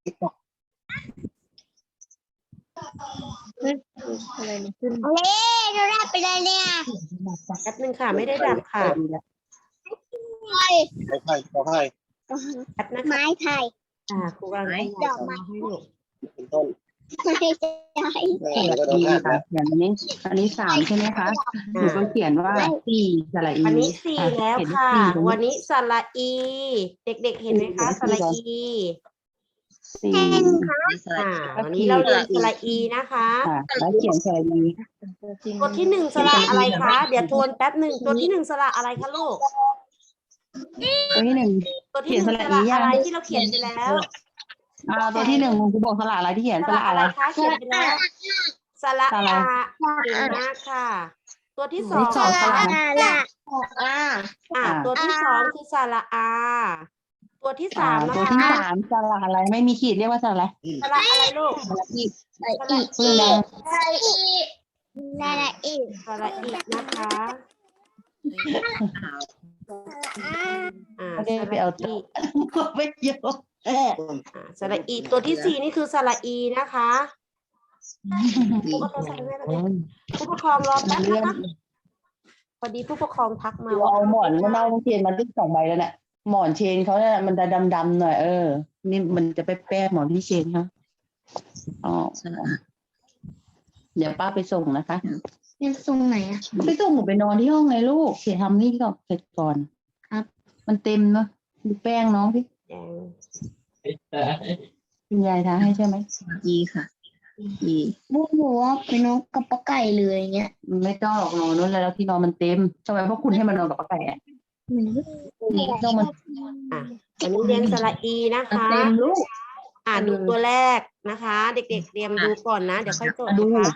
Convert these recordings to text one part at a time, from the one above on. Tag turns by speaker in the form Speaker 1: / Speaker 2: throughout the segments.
Speaker 1: อะไรมันขึ้น
Speaker 2: เล่ดูได้ไปเลยเนี่ย
Speaker 3: แป๊บนึงค่ะไม่ได้ดับค่ะ
Speaker 2: ไผ่
Speaker 1: ขอให้
Speaker 3: แป๊บนะคะ
Speaker 2: ไม้ไผ่
Speaker 3: ครูกำลังขยายจอให้ลูก
Speaker 1: เป็นต้น
Speaker 2: ไม่ใช่
Speaker 1: ก็โดน
Speaker 4: ดี
Speaker 1: หัก
Speaker 4: ค่ะ
Speaker 1: นะ
Speaker 4: เขียนอันนี้3ใช่ไหมคะหนูก็เขียนว่า4สระอี
Speaker 3: วันนี้4แล้วค่ะ วันนี้สระอี เด็กๆเห็นไหมคะสระอี
Speaker 4: 4
Speaker 3: วันนี้เราเรียนสระอีนะคะ
Speaker 4: ค่ะแล้วเขียนสระอี
Speaker 3: ตัวที่1สระอะไรคะ เดี๋ยวทวนแป๊บหนึ่งตัวที่1สระอะไรคะลูก
Speaker 4: ตัวที่
Speaker 3: ตัวที่1สระอะไรที่เราเขียนไปแล้ว
Speaker 4: 1ตัวที่1คุณครูบอกสระอะไรที่เขียน
Speaker 3: ส
Speaker 4: ส
Speaker 3: ระ
Speaker 4: ระ
Speaker 3: อะ
Speaker 4: อะไร ไร
Speaker 3: คะเขียนไปแล้วสระ
Speaker 4: สระ
Speaker 3: อาเก่งมากค่ะ ตัวที่2
Speaker 4: สองสระ
Speaker 3: ตัวที่2คือสระอา ตัวที่3นะ
Speaker 4: ตัว
Speaker 3: คะ
Speaker 4: ที่3สระอะไรไม่มีขีดเรียกว่าสระอะไร
Speaker 3: สระอะไรลูก
Speaker 4: สระอี
Speaker 2: ใส่อีก
Speaker 4: ปื้นแดง
Speaker 2: ใส่อีกนั่นแหละอีก
Speaker 3: สระอีนะคะ
Speaker 4: ไม่ได้ไปเอา
Speaker 3: สระอี
Speaker 4: ไม่เยอะ
Speaker 3: สระอีตัวที่4นี่คือสระอีนะคะผู้ปกครองผู้ปกครองรอแป๊บนะคะพอดีผู้ปกครองทักมา
Speaker 4: เราเอาหมอนมันเอาเชนมาดึก2 ใบแล้วเนี่ยหมอนเชนเขาเนี่ยมันจะดำๆหน่อยนี่มันจะไปแป้หมอนที่เชนเขาเดี๋ยวป้าไปส่งนะคะ
Speaker 2: ยังทรงไหนอ่ะ
Speaker 4: ไปส่งหนูไปนอนที่ห้องไงลูกเสียทำนี่ก่อนเสร็จก่อนครับมันเต็มเนาะดูแป้งน้องพี่คุณยายทาให้ใช่ไหม
Speaker 1: ดีค่ะดี
Speaker 2: บูหัวเป็นนกกับปลาไก่เลยเงี้ย
Speaker 4: มันไม่ต้องหรอกนอนนู้นแล้วที่นอนมันเต็มทำไมพวกคุณให้มันนอนกับป้าไก่อะต้องมัน
Speaker 3: อันนี้เรียนสระอีนะคะ
Speaker 4: เต็มลูก
Speaker 3: ดูตัวแรกนะคะ เด็กๆเตรียมดูก่อนนะเดี๋ยวค่อยจด
Speaker 4: ดู
Speaker 3: นะคะ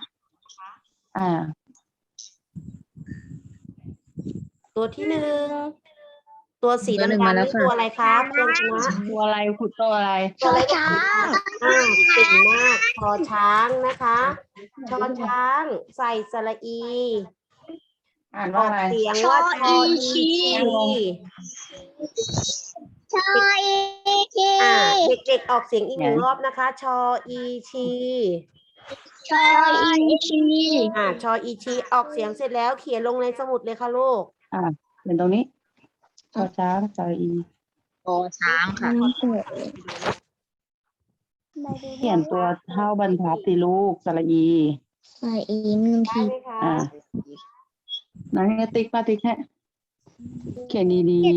Speaker 3: ตัวที่1ตัวสีดำๆนี่ตัวอะไรครับตัวชนะ
Speaker 4: ตัวอะไรขุดตัวอะไร
Speaker 3: ตัวอะไร
Speaker 2: ช้า
Speaker 3: เก่งมากชอช้างนะคะชอช้างใส่สระอี
Speaker 4: อ่าน
Speaker 3: อ
Speaker 4: ว่า
Speaker 3: อก
Speaker 4: อะไร
Speaker 3: เสียงว่าชออีชี
Speaker 2: ชอยชี
Speaker 3: เด็กๆออกเสียงอีก1 รอบนะคะชออีชี
Speaker 2: ชอยชี
Speaker 3: ชออีชีออกเสียงเสร็จแล้วเขียนลงในสมุดเลยค่ะลูก
Speaker 4: เป็นตรงนี้ชอช้างชออี
Speaker 1: โอช้างค่ะ
Speaker 4: เขียนตัวเท่าบรรทัดสิลูกสระอี
Speaker 2: ใส่อีหนึ่ง
Speaker 3: ได้
Speaker 2: ที
Speaker 3: ไหมคะ
Speaker 4: นั่นติ๊กป้าติ๊กแค่เขียนดี
Speaker 1: มี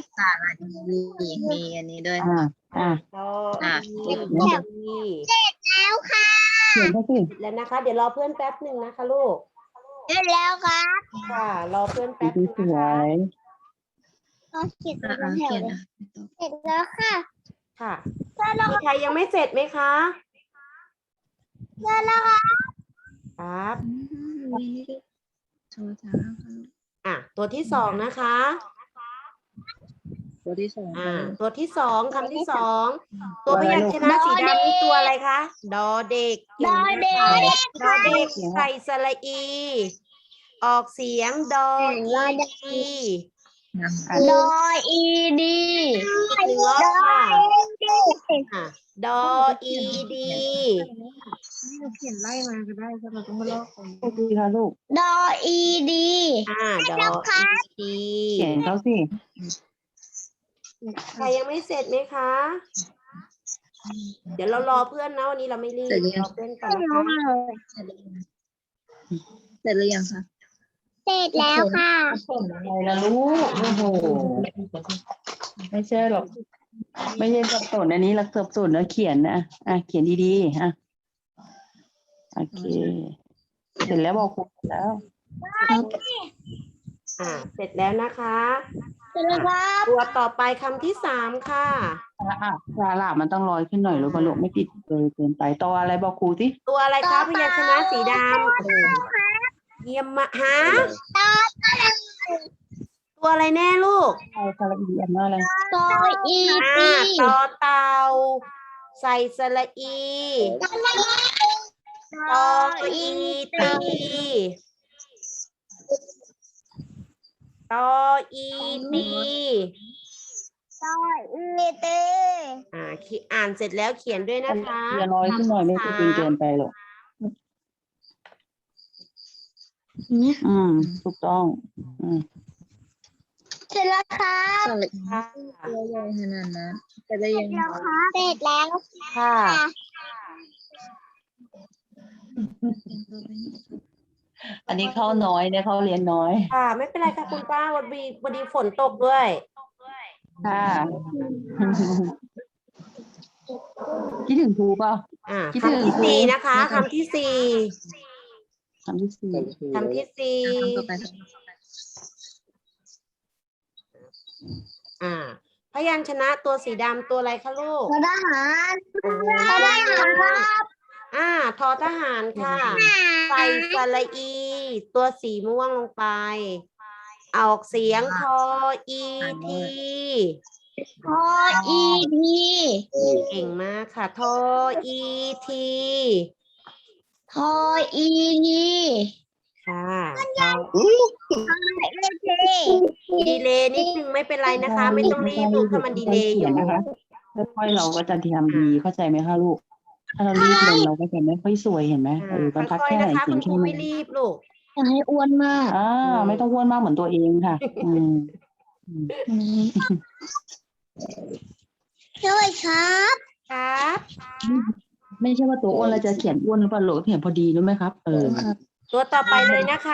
Speaker 1: อันนี้ด้วย
Speaker 4: ๆ
Speaker 3: ชอ
Speaker 1: ติ๊ก
Speaker 3: อี
Speaker 2: แล้วค่ะ
Speaker 4: เขียนเขาสิ
Speaker 3: แล้วนะคะ เดี๋ยวรอเพื่อนแป๊บหนึ่งนะคะลูก
Speaker 2: เสร็จแล้วครับ
Speaker 3: ค่ะรอเพื่อนแป๊บหนึง
Speaker 4: ส
Speaker 3: นะ
Speaker 4: ว
Speaker 3: คะ
Speaker 4: ย
Speaker 2: ก็เขียนเป็นแถวเลยเสร็จแล้วค่ะ
Speaker 3: ค่ะ
Speaker 2: เสร็จแล้ว
Speaker 3: มีใครยังไม่เสร็จไหมคะ
Speaker 2: เสร็จแล้วค่ะ
Speaker 3: ครับ
Speaker 1: โชว์ช้างค่ะ
Speaker 3: ตัวที่2นะคะ
Speaker 1: ตัวที่2
Speaker 3: ตัวที่2คำที่2ตัวพยัญชนะสีดำนี่ตัวอะไรคะดอเด็กเก่งมากค่ะดอเด็กใส่สระอี ออกเสียงดออี
Speaker 2: ดออีดี
Speaker 3: อีก1 รอบค่ะดออีดี
Speaker 1: เขียนไล่มาก็ได้ก็เราต้องมาลอกกัน
Speaker 4: โอเคค่ะลูก
Speaker 2: ดออีดี
Speaker 3: ดออีดี
Speaker 4: เขียนเขาสิ
Speaker 3: ใครยังไม่เสร็จไหมคะ เดี๋ยวเรารอเพื่อนนะวันนี้เราไม่รีบรอเพื่อนก่อนนะคะ
Speaker 1: เสร็จหรือยังคะ
Speaker 2: เสร็จแล้วค่ะ
Speaker 4: อะไรล่ะลูกโอ้โหไม่ใช่หรอกไม่ใช่สับสนอันนี้เราสับสนแล้วเขียนนะเขียนดีๆโอเคเสร็จแล้วบอกครูแล้ว
Speaker 3: เสร็จแล้วนะคะ
Speaker 2: เสร็จแล้วครับ
Speaker 3: ตัวต่อไปคำที่3ค่ะ
Speaker 4: สาระมันต้องลอยขึ้นหน่อยลูกลูกไม่ติดเลยเกินไปต่ออะไรบอกครูสิ
Speaker 3: ตัวอะไรคะพยัญชนะสีดำเยี่ยมมากฮะตัวอะไรแน่ลูก
Speaker 4: สระอีอันว่าอะไร
Speaker 2: ดออีดี
Speaker 3: ต่อเต่าใส่สระอี
Speaker 2: ดออี
Speaker 3: ตีตออีตี
Speaker 2: เต
Speaker 3: อ่านเสร็จแล้วเขียนด้วยนะคะ
Speaker 4: อย่าน้อยขึ้นหน่อยไม่จริงเกินไปหรอกถูกต้อง
Speaker 2: เสร็จแล้วครับ
Speaker 3: ค่ะ
Speaker 1: ตัวใหญ่ขนาดนั้นจะได้ยังไง
Speaker 2: เสร็จแล้ว
Speaker 3: ค่ะ
Speaker 4: อันนี้เข้าน้อยเนี่ยเขาเรียนน้อย
Speaker 3: ค่ะ ไม่เป็นไรค่ะคุณป้าวันดีฝนตกด้วย
Speaker 4: ค่ะ คิดถึงครูเปล่า คิดถึง
Speaker 3: คำที่สี่นะคะคำที่สี่
Speaker 4: คำที่สี่
Speaker 3: คำที่สี่
Speaker 1: ต่อไป
Speaker 3: พยัญชนะตัวสีดำตัวอะไรคะลูก
Speaker 2: ทหาร
Speaker 3: โอ้โห
Speaker 2: ทหารครับ
Speaker 3: ทอทหารค่ะ ใส่สระอี ตัวสีม่วงลงไป ออกเสียงทออีที
Speaker 2: พออีที
Speaker 3: เก่งมากค่ะ ทออีที
Speaker 2: พออีที
Speaker 3: ค่ะ
Speaker 2: เอ
Speaker 3: ดีเลย์นิดนึงไม่เป็นไรนะคะ ไม่ต้องรีบลูกถ้ามันดีเลย์อยู่
Speaker 4: นะคะค่อยๆเราก็จะทำดีเข้าใจไหมคะลูก ถ้าเรารีบลงเราก็จะไม่ค่อยสวยเห็นไหมบรรทัด
Speaker 3: ค่อย
Speaker 4: แค่
Speaker 3: ๆ
Speaker 4: ไหน
Speaker 3: นะคะ
Speaker 4: เขี
Speaker 3: คุ
Speaker 4: ยน
Speaker 3: ณครู
Speaker 4: แค่ไหน
Speaker 3: ไม่รีบลูก
Speaker 2: อย่าให้อ้วนมาก
Speaker 4: ไม่ต้องอ้วนมากเหมือนตัวเองค่ะ
Speaker 2: ช่วยครับ
Speaker 3: ครับ
Speaker 4: ไม่ใช่ว่าตัวอ้วนเราจะเขียนอ้วนหรือเปล่าลูกเขียนพอดีรู้ไหมครับ
Speaker 3: ตัวต่อไปเลยนะคะ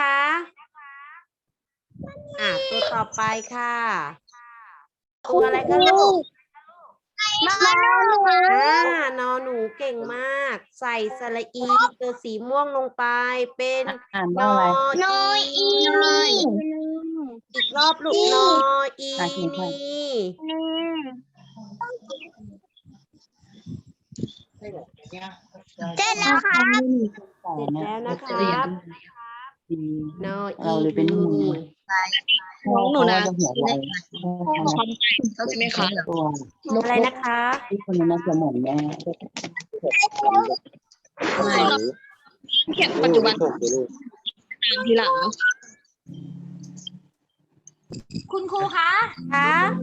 Speaker 3: ตัวต่อไปค่ะ ตัวอะไรคะลูก
Speaker 2: นอนหนู
Speaker 3: นอหนูเก่งมาก ใส่สระอีตัวสีม่วงลงไปเป็น
Speaker 4: อ่าน
Speaker 3: น
Speaker 4: ว่า
Speaker 3: อ
Speaker 4: อะไร
Speaker 2: นออี
Speaker 3: อีกรอบลูกนออี
Speaker 4: อ่ะเขียนค่ะ
Speaker 3: นี่
Speaker 2: เสร็จแล้วค่ะ
Speaker 3: เสร็จแล้วนะคะ
Speaker 4: ดี
Speaker 3: นอ
Speaker 4: เรา
Speaker 3: อี
Speaker 4: เลยเป็นหนู
Speaker 1: น้องหนูนะ
Speaker 4: จะหัวไว
Speaker 1: ใช่ไหมคะ
Speaker 4: ตัว
Speaker 3: อะไรนะคะ
Speaker 4: ที่คนนั้นจะเหมือนแม่
Speaker 1: เขียนปัจจุบันตามทีหลัง
Speaker 2: คุณครูคะ
Speaker 3: คะ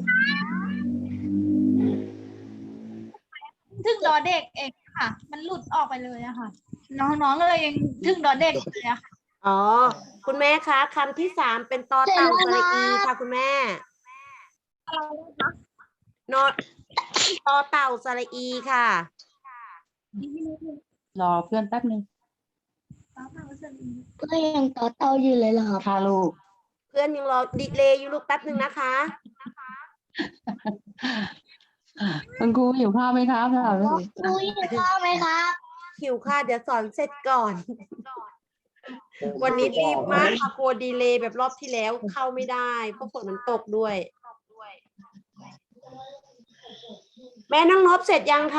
Speaker 2: ถึงดอเด็กเองค่ะ มันหลุดออกไปเลยอะค่ะ น้องๆเลยยังถึงดอเด็กเลยอะค่ะ
Speaker 3: อ๋อ คุณแม่คะคำที่สามเป็นตอเต่าสระอีค่ะคุณแม่นอตอเต่าสระอีค่ะ
Speaker 4: รอเพื่อนแป๊บนึง
Speaker 2: ก็ยังต่อเต้าอยู่เลยเหรอครับ
Speaker 4: ค่ะลูก
Speaker 3: เพื่อนยังรอดิเลย์อยู่ลูกแป๊บหนึ่งนะคะ
Speaker 4: คุณครูหิวข้าวไหมครับค่ะ
Speaker 2: ครูยินข้าวไหมครับ
Speaker 3: หิวค่ะ เดี๋ยวสอนเสร็จก่อน วันนี้รีบมากค่ะกลัวดีเลย์แบบรอบที่แล้วเข้าไม่ได้เพราะฝนมันตกด้วย แม่น้องนบเสร็จยังคะ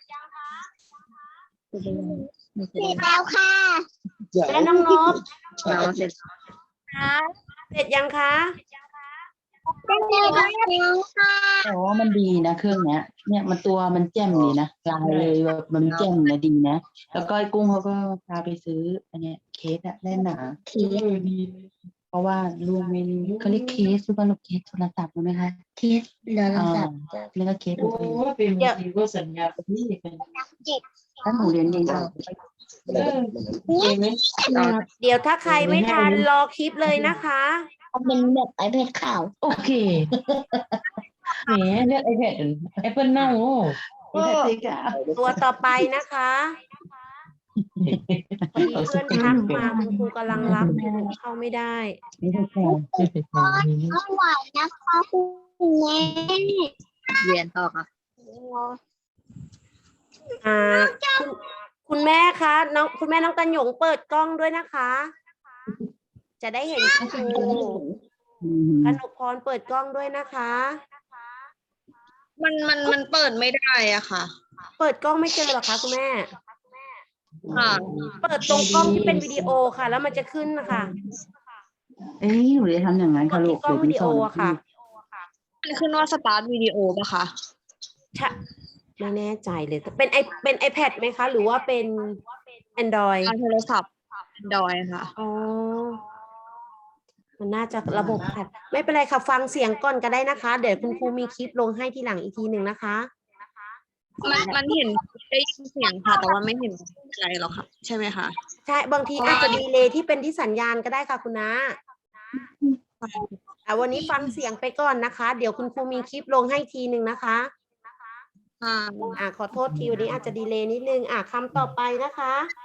Speaker 2: เสร็จแล้วค่ะ
Speaker 3: แม่น้องนบ
Speaker 1: เราเสร็จ
Speaker 3: เสร็จยังคะ
Speaker 2: เสร็จแล้วค่ะ
Speaker 4: แต่ว่ามันดีนะเครื่องเนี้ย เนี่ยมันตัวมันแจ่มดีนะลายเลยแบบมันแจ่มนะดีนะ แล้วก็ไอ้กุ้งเขาก็พาไปซื้ออันเนี้ยเคสอะแน่นหนาเพราะว่าลูกไม่รู้เขาเรียกเคสหรือเปล่าลูกเคสโทรศัพท์รู้ไหมคะ
Speaker 2: เคสเดี๋ยวเราจับ
Speaker 4: เรียกว่าเคส
Speaker 5: โอ้เป็นบางทีก็สัญญากับพี่เป็น
Speaker 4: ถ้าหนูเรียนเองก็
Speaker 5: เองไหม
Speaker 3: เดี๋ยวถ้าใครไม่ทันรอคลิปเลยนะคะ
Speaker 2: เอาเป็นแบบไอแพดขาว
Speaker 5: โอเคแหมเลือกไอแพดแอปเปิลเน่าโอ้
Speaker 3: ตัวต่อไปนะคะพอดีเพื่อนทักมาคุณครูกำลังรับอยู่เข้าไม่ได้
Speaker 4: ไม่ใช่แค่
Speaker 2: เอาไหวนะคะคุณแม่
Speaker 1: เรียนต่อค่ะ
Speaker 3: คุณแม่คะคุณแม่น้องตันหยงเปิดกล้องด้วยนะคะ จะได้เห็นคุณครูกนกพรเปิดกล้องด้วยนะคะ
Speaker 1: มันเปิดไม่ได้อ่ะค่ะ
Speaker 3: เปิดกล้องไม่เจอหรอคะคุณแม่
Speaker 1: ค่ะ
Speaker 3: เปิดตรงกล้องที่เป็นวิดีโอค่ะ แล้วมันจะขึ้นนะคะ
Speaker 4: เอ้ยหนูจะทำอย่างนั้น
Speaker 3: ก
Speaker 4: ค่ะ
Speaker 3: ด
Speaker 4: ลู
Speaker 3: ที่
Speaker 4: ก
Speaker 3: กล้องวิดีโออะค่ะ
Speaker 1: มันขึ้นว่าสตาร์ทวิดีโอป่ะคะ
Speaker 3: ไม่แน่ใจเลยแต่เป็น iPad ไหมคะ หรือว่าเป็น Android
Speaker 1: ทางโทรศัพท์ดอยค่ะ
Speaker 3: อ๋อมันน่าจะระบบค่ะไม่เป็นไรค่ะฟังเสียงก่อนก็ได้นะคะ เดี๋ยวคุณครูมีคลิปลงให้ทีหลังอีกทีหนึ่งนะคะ
Speaker 1: มันเห็นได้ยินเสียงค่ะ แต่ว่าไม่เห็นอะไรหรอกค่ะ ใช่ไหมคะ
Speaker 3: ใช่บางทีอาจจะดีเลย์ที่เป็นที่สัญญาณก็ได้ค่ะคุณนะวันนี้ฟังเสียงไปก่อนนะคะ เดี๋ยวคุณครูมีคลิปลงให้ทีหนึ่งนะคะ ขอโทษทีวันนี้อาจจะดีเลย์นิดนึงคำต่อไปนะคะ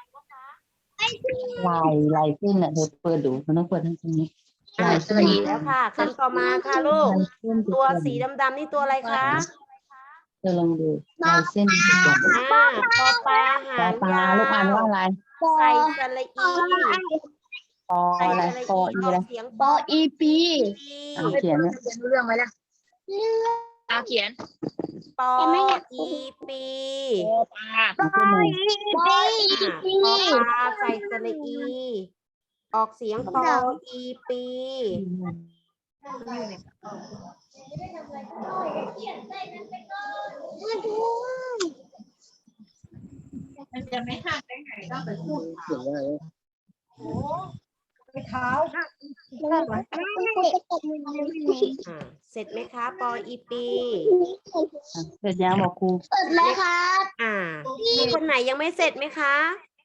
Speaker 4: ลายเส้นอ่ะเธอเปิดดูมันต้องเปิดทั้งตรงนี้ลายเส้น
Speaker 3: แล้วค่ะคำต่อมาค่ะลูก ตัวสีดำๆนี่ตัวอะไรคะ
Speaker 4: เธอลองดูลายเส้น
Speaker 3: ปอปลาหา
Speaker 4: ปองปลาลูกอ่านว่าอะไร
Speaker 3: ใส่สระอี
Speaker 4: ปออะไรปออีอะไร
Speaker 3: เสียง
Speaker 2: ปออีปี
Speaker 4: เขียนเนี่ย
Speaker 2: เรื่องไหมล่ะเขียน
Speaker 3: ปออีปี
Speaker 2: ปลา
Speaker 4: มันขึ้นเลย
Speaker 3: ปอปลาใส่สระอี ออกเสียงปออีปี
Speaker 2: มันจะไม่ห่างได้ไงต้องไปพูด
Speaker 1: เสียงอะไร
Speaker 2: ไปเท้า
Speaker 3: เสร็จไหมคะปออีปี
Speaker 4: เสร็จยังบอกครู
Speaker 2: เปิดแล้วครับ
Speaker 3: มีคนไหนยังไม่เสร็จไหมคะ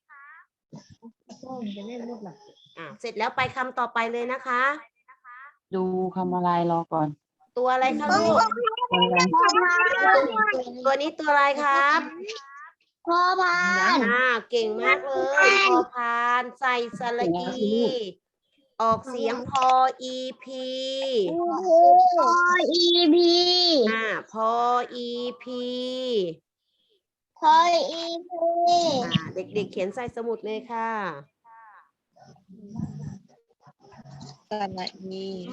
Speaker 3: เสร็จแล้วไปคำต่อไปเลยนะคะ
Speaker 4: ดูคำอะไรรอก่อน
Speaker 3: ตัวอะไรคะลูก
Speaker 4: อะไร
Speaker 3: ตัวนี้ตัวอะไรครับ
Speaker 2: พอพาน
Speaker 3: เก่งมากเลยพอพานใส่สระอี ออกเสียงพออีพี
Speaker 2: พออีพี
Speaker 3: พออีพี
Speaker 2: พออีพี
Speaker 3: เด็กๆเขียนใส่สมุดเลยค่ะ
Speaker 1: สระอี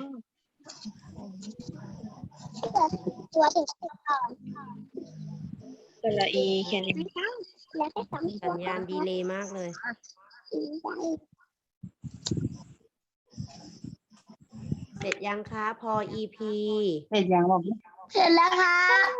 Speaker 2: ตัวถึงก่อน
Speaker 1: สระอีเขียน
Speaker 2: แล้วก็สอง
Speaker 3: สัญญาณดีเลย์มากเลย เสร็จยังคะพออีพี
Speaker 4: เสร็จยังบอก
Speaker 2: เสร็จแล้วค่ะ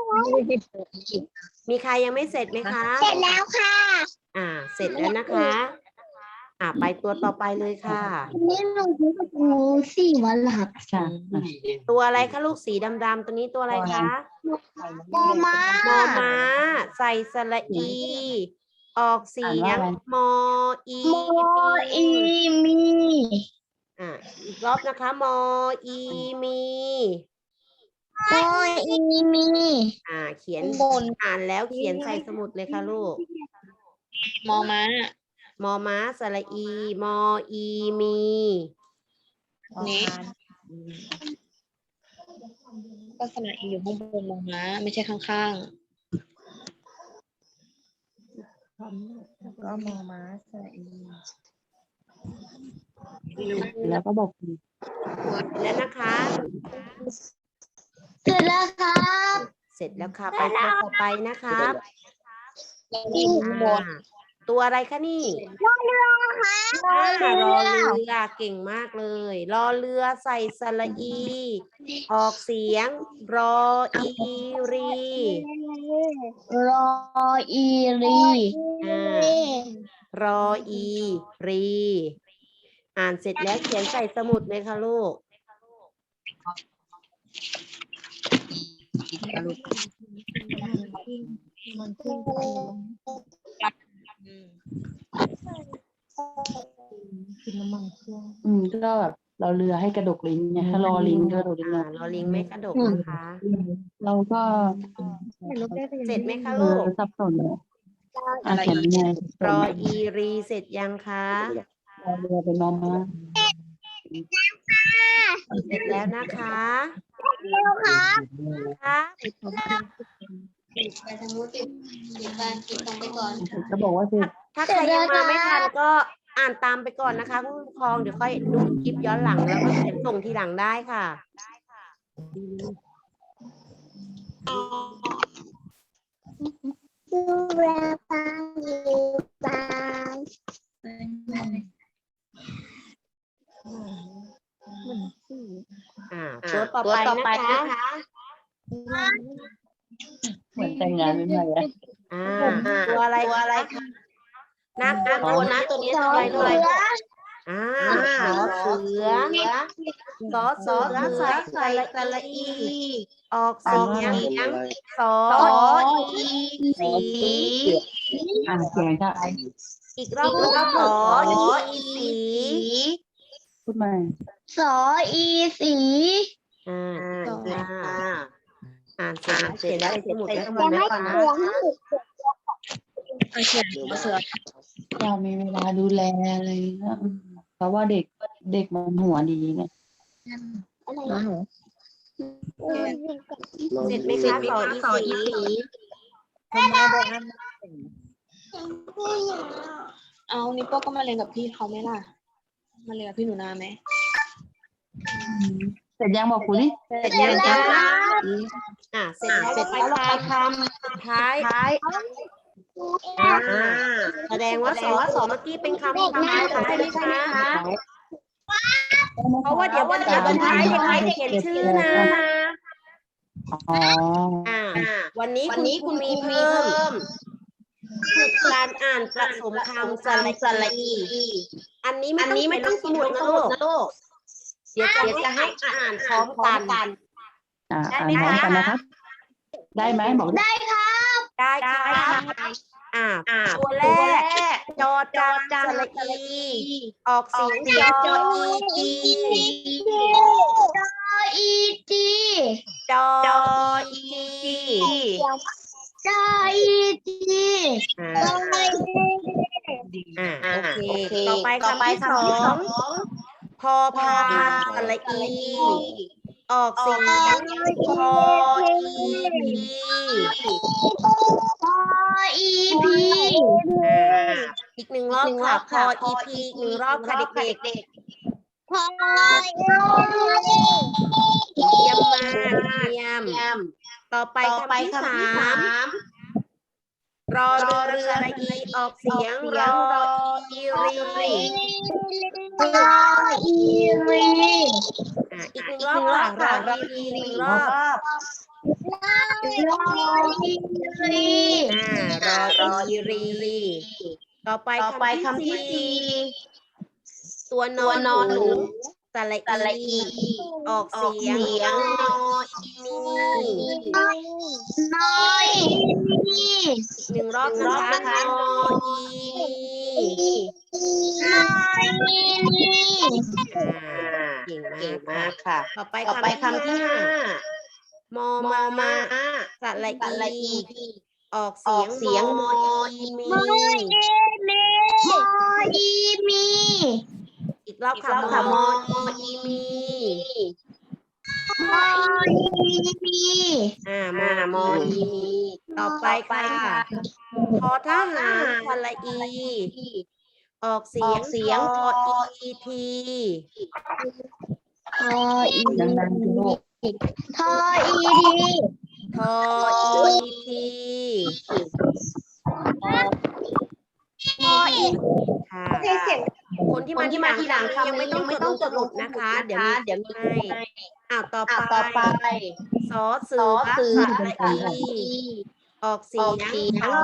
Speaker 3: มีใครยังไม่เสร็จไหมคะ
Speaker 2: เสร็จแล้วค่ะ
Speaker 3: เสร็จแล้วนะคะ ไปตัวต่อไปเลยค่ะ
Speaker 2: นี่หนูคิดว่ากูสี่วันหลับ
Speaker 4: ค่ะ
Speaker 3: ตัวอะไรคะลูกสีดำๆตัวนี้ตัวอะไรคะ
Speaker 2: มอม้าม
Speaker 3: อม้าใส่สระอี ออกเสียงมออี
Speaker 2: มออีมี
Speaker 3: อีกรอบนะคะมออีมี
Speaker 2: มออีมี
Speaker 3: เขียนอ่านแล้วเขียนใส่สมุดเลยค่ะลูก
Speaker 1: มอม้าม
Speaker 3: อม้าสระอี มออีมี
Speaker 1: นี้ก็สระอีอยู่ข้างบนมอม้าไม่ใช่ข้างๆก็มอม้าสระอี
Speaker 4: แล้วก็บอกครู
Speaker 3: แล้วนะคะ
Speaker 2: เสร็จแล้วครับ
Speaker 3: เสร็จแล้วค่ะ ไปตัวต่อไปนะครับ
Speaker 1: อีข้างบน
Speaker 3: ตัวอะไรคะนี่ รอเรือเก่งมากเลย รอเรือใส่สระอี ออกเสียงรออีรี
Speaker 2: รออีรี
Speaker 3: รออีรี อ่านเสร็จแล้วเขียนใส่สมุดเลยค่ะลูก
Speaker 4: ก็แบบเราเรือให้กระดกลิ้นไงถ้ารอลิ้นก็กระดกลิ้น
Speaker 3: รอลิงไม่กระดกนะคะ
Speaker 4: เราก็
Speaker 3: เสร็จไหมคะลูก
Speaker 4: สับสนเลยเขียนยังไง
Speaker 3: รออีรีเสร็จยังคะ
Speaker 4: เราเรือเป็นมอม้า
Speaker 3: เสร็จแล้วนะคะ
Speaker 2: แล้วครับ
Speaker 1: ไปทางนู้นติดตรงไปก่อน
Speaker 4: จะบอกว่าเสร็จ
Speaker 3: ถ้าใครยังมาไม่ทันก็อ่านตามไปก่อนนะคะผู้ปกครองเดี๋ยวค่อยดูคลิปย้อนหลังแล้วก็เขียนส่งทีหลังได้ค่ะ
Speaker 2: ดูแลฟังอยู่บ้าน
Speaker 3: ตัวต่อไปนะคะ
Speaker 4: เหมือนแต่งงานเป็นไงอะ
Speaker 3: ตัวอะไรคะน่ากลัวนะตัวนี้ตัวอะไรสอเสือสอเสือใส่สระอี ออกเสียงสออีสี
Speaker 4: เสียงค่ะ
Speaker 3: อีกรอบสออีสี
Speaker 4: พูดใหม่
Speaker 2: สออีสี
Speaker 3: อ่านเสร็จแล้วสมุดทั้งหมดนะคะ
Speaker 1: เขียนเสือ
Speaker 4: เรามีเวลาดูแลอะไรเงี้ยเพราะว่าเด็กมันหัวดีไง
Speaker 3: เสร็จไหมคะสออีสี
Speaker 1: เอานิโป้ก็มาเรียนกับพี่เขาไหมล่ะ มาเรียนกับพี่หนูนาไหม
Speaker 4: เสร็จยังบอกครูนี่
Speaker 3: เสร็จยังคะเสร็จแล้วไปคำสุดท้ายแสดงว่าสอเมื่อกี้เป็นคำสุดท้ายใช่ไหมคะเพราะว่าเดี๋ยววันท้ายเด็กๆจะเขียนชื่อนะ วันนี้คุณมีเพิ่มคือการอ่านผสมคำสระอีอันนี้ไม่ต้องสมุดนะลูกเดี๋ยวจะให้อ่านพร้อมกัน
Speaker 4: อ่านพร้อมกันนะครับ ได้ไหมบอกได้
Speaker 3: ได้ค่ะตัวแรกจอจานสระอี ออกเสียงจออีจีจออีโอเคต่อไปคำที่สองพอพานสระอี ออกเสียงพออีพีอีกหนึ่งรอบค่ะพออีพีอีกหนึ่งรอบค่ะเด็กๆเยี่ยมมากเยี่ยมต่อไปคำที่สามรอเรือระอีออกเสียงรออีรีอีกหนึ่งรอบค่ะรออีรีหนึ่งรอบรออีรีต่อไปคำที่สี่ตัวนอนหนูสระอีออกเสียงนออีหนึ่งรอบนะคะนออีเก่งมากค่ะต่อไปคำที่ห้ามอมาสระอีออกเสียงมออีมีอีกรอบค่ะมออีมีมออีมีต่อไปค่ะทอทหารสระอี ออกเสียงทออีที
Speaker 4: ดังๆลูก
Speaker 3: ทออีทีค่ะคนที่มาทีหลังยังไม่ต้องจดลงนะคะ เดี๋ยวให้ต่อไปสอเสือสระอี ออกเสียงสอ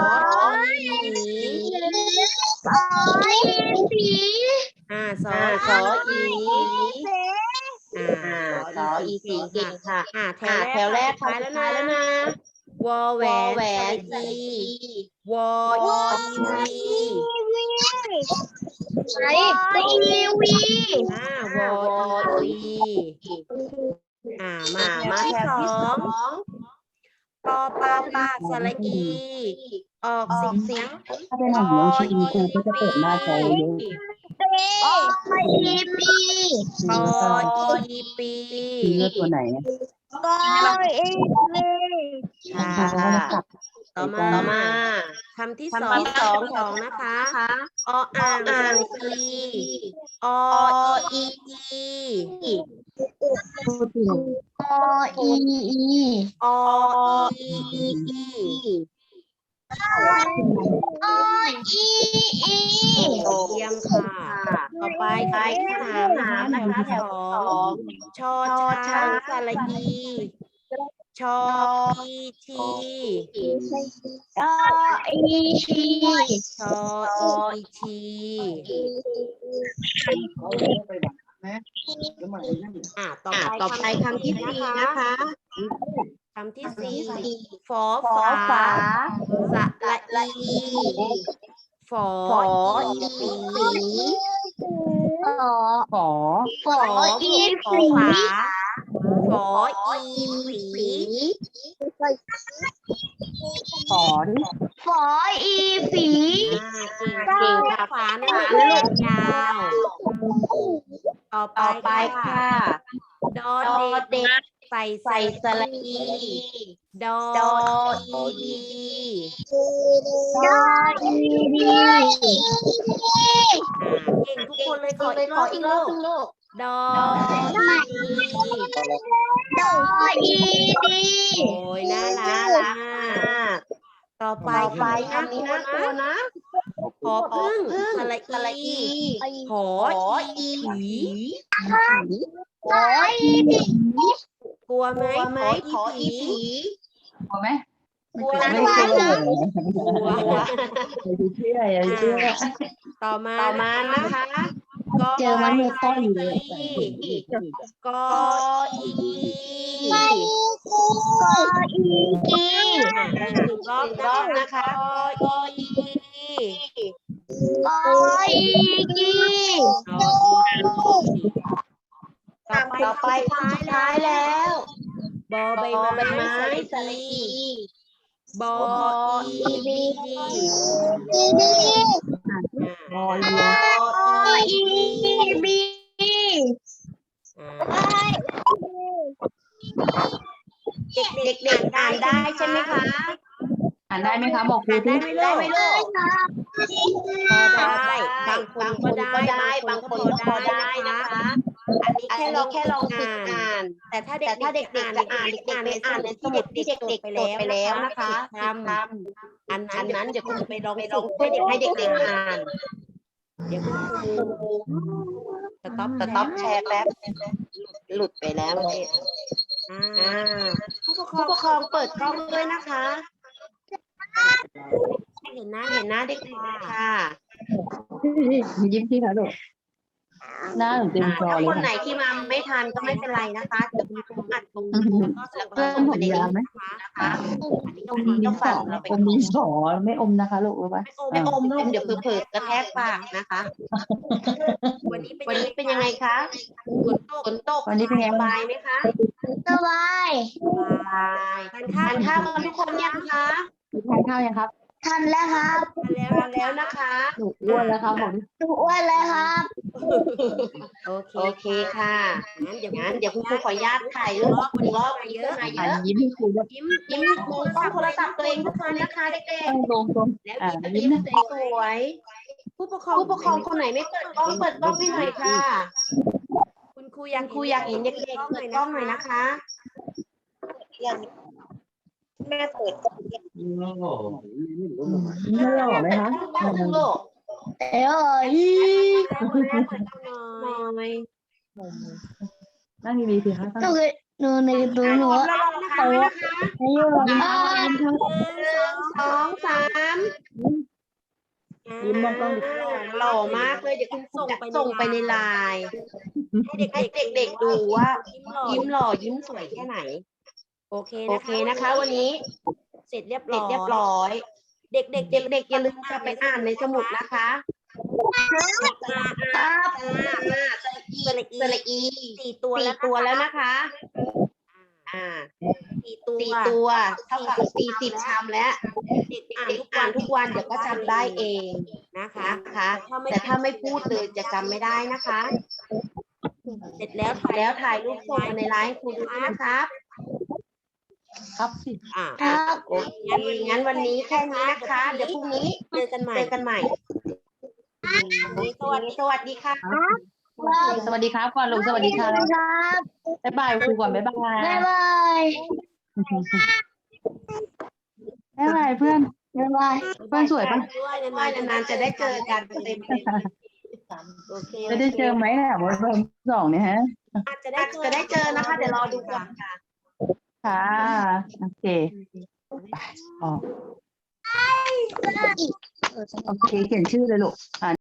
Speaker 3: อีสออีสีเก่งค่ะแถวแรกท้ายแล้วนะวอแหวนสระอีวออีวีมาแถวที่สองปอปาสระอี ออกเสียง
Speaker 4: ถ้าเป็นของน้องชินครูก็จะเปิดหน้าจอเยอะ
Speaker 3: อีปี
Speaker 4: เลือกตัวไหน
Speaker 3: ต่อมาคำที่สองนะคะอ่างออีเยี่ยมค่ะต่อไปคำที่สามนะคะแถวที่สองชอช้างสระอีชออีที
Speaker 2: ชออีที
Speaker 3: ชออีที ต่อไปคำที่สี่นะคะคำที่สี่ฝอฝาสระอีฝออีฝี
Speaker 4: ฝอ
Speaker 2: ฝออีฝี
Speaker 3: ฝออีฝี
Speaker 4: ฝอดิ
Speaker 2: ฝออีฝี
Speaker 3: เก่งค่ะฝาหน้าลูกยาวต่อไปค่ะดอเด็กใส่สระอีดออีดี
Speaker 2: ดออีดี
Speaker 3: เก่งทุกคนเลยขออีกรอบลูกดออีดี
Speaker 2: ดออีดี
Speaker 3: โอ้ยน่ารักต่อไปคำนี้น่ากลัวนะหอพึ่งสระอีหออีผี
Speaker 2: ฝออีผี
Speaker 3: กลัวไหมหออีผี
Speaker 4: กลัวไหม
Speaker 3: กลัว
Speaker 4: ไม่
Speaker 3: นะ
Speaker 4: กลัว
Speaker 3: กลัว
Speaker 4: อย่าเชื่ออย่าเชื่อ
Speaker 3: ต่อมานะคะก็
Speaker 4: เจอมันมือต้อยอยู่เลย
Speaker 3: ก็อี
Speaker 2: กออีกี
Speaker 3: หนึ่งรอบนะคะก็อี
Speaker 2: กออีกี
Speaker 3: ต่อไปสุดท้ายแล้วบอใบไม้สระอีบออีบี
Speaker 4: รอเรือ
Speaker 2: อีบี
Speaker 3: เด็กๆอ่านได้ใช่ไหมคะ
Speaker 4: อ่านได้ไหมคะบอกครู
Speaker 3: ได้
Speaker 4: ที่
Speaker 3: ไหมลูกพอได้บางคนก็ได้บางคนก็พอได้นะคะ อันนี้แค่ลองฝึกอ่านแต่ถ้าเด็กๆจะอ่านในสมุดที่เด็กๆจดไปแล้วนะคะทำอันนั้นเดี๋ยวคุณจะไปลองฝึกให้เด็กๆอ่านเดี๋ยวคุณครูสต็อปแชร์แป๊บหลุดไปแล้วผู้ปกครองเปิดกล้องด้วยนะคะเห็นหน้าเด็กๆค่ะ
Speaker 4: ยิ้มที่ค่ะลูกหน้าหนูเต็มจอ
Speaker 3: ถ้า
Speaker 4: เลย
Speaker 3: คนไหน
Speaker 4: ค่ะ
Speaker 3: ที่มาไม่ทันก็ไม่เป็นไรนะคะเดี๋ยวคุณครูอัดตรงแล้วก็
Speaker 4: เพิ่มผมยาวไหม
Speaker 3: นะคะอันนี้
Speaker 4: อม
Speaker 3: ต้
Speaker 4: ดิ
Speaker 3: อง
Speaker 4: นส
Speaker 3: ฟั
Speaker 4: อง
Speaker 3: เราไป
Speaker 4: อมดินสอไม่อมนะคะลูกรู้ปะ
Speaker 3: ไม่อมลูกเดี๋ยวเผลอๆกระแทกปากนะคะวันนี้เป็นยังไงคะฝนตก
Speaker 4: วันนี้เป็นไง
Speaker 3: ส
Speaker 4: บ้าง
Speaker 3: บายไหมคะ
Speaker 2: สบาย
Speaker 3: สบายทานข้าวกันทุกคนยังคะ
Speaker 4: ทานข้าวยังครับ
Speaker 2: ทันแล้วครับ
Speaker 3: ทานแล้วนะคะ
Speaker 4: หนูอ้วนแล้วครับบอกดิ
Speaker 2: ถูกอ้วนเลยครับ
Speaker 3: โอเคค่ะงั้นเดี๋ยวคุณครูขออนุญาตถ่ายรูปคุณรอบเยอะมาเย
Speaker 4: อ่าน
Speaker 3: อะ
Speaker 4: ยิ้มให้ครูด้วย
Speaker 3: ยิ้มดูกล้องโทรศัพท์ตัวเองทุกคนนะคะเด็ก
Speaker 4: ต้องตรง
Speaker 3: ๆแล้ว
Speaker 4: ยิ้มนะ
Speaker 3: สวยๆผู้ปกครองคนไหนไม่เปิดกล้องให้หน่อยค่ะคุณครูอยากเห็นเด็กๆเปิดกล้องหน่อยนะคะแม่เปิด
Speaker 4: ไม่หล่อไหมคะ
Speaker 3: ลูก
Speaker 2: เอ้ย
Speaker 3: แม่เปิดกล้องหน่อย
Speaker 4: นั่งดีๆสิคะ
Speaker 2: หนูเคยหนูในตัวหนู
Speaker 3: แล้วลองนะคะไว้นะคะ
Speaker 2: ให้อยู่
Speaker 3: 1 2 3
Speaker 4: ยิ้มมองกล้องดิ
Speaker 3: หล่อมากเลยเดี๋ยวคุณส่งไปในไลน์ให้เด็กๆดูว่ายิ้มหล่อยิ้มสวยแค่ไหนโอเคนะคะวันนี้เสร็จเรียบร้อยเด็กๆอย่าลืมกลับไปอ่านในสมุดนะคะสระอี4 ตัวแล้วนะคะ4 ตัวเท่ากับ40 ชามแล้วอ่านทุกวันเดี๋ยวก็จำได้เองนะคะแต่ถ้าไม่พูดเลยจะจำไม่ได้นะคะเสร็จแล้วถ่ายรูปส่งมาในไลน์ให้ครูดูด้วยนะครับ
Speaker 4: ครับสิ
Speaker 2: ครับ
Speaker 3: โอเคงั้นวันนี้แค่นี้นะคะ เดี๋ยวพรุ่งนี้เจอกันใหม่สวัสดีค่ะ
Speaker 4: สวัสดีครับก่อนลูกสวัสดีค่ะ
Speaker 2: ครับ
Speaker 4: บ๊ายบายครูก่อนบ๊ายบาย
Speaker 2: บ๊ายบาย
Speaker 4: บ๊ายบายเพื่อน
Speaker 2: บ๊ายบาย
Speaker 4: เพื่อนสวยปะ
Speaker 3: ด้วยนานๆจะได้เจอกันเต็มโอเค
Speaker 4: จะได้เจอไหมเนี่ยวันเพิ่ม2เนี่ยฮะ
Speaker 3: อาจจะได้เจอนะคะ เดี๋ยวรอดูก่อนค่ะ
Speaker 4: ค่ะโอเคไปออกโอเคเขียนชื่อเลยลูก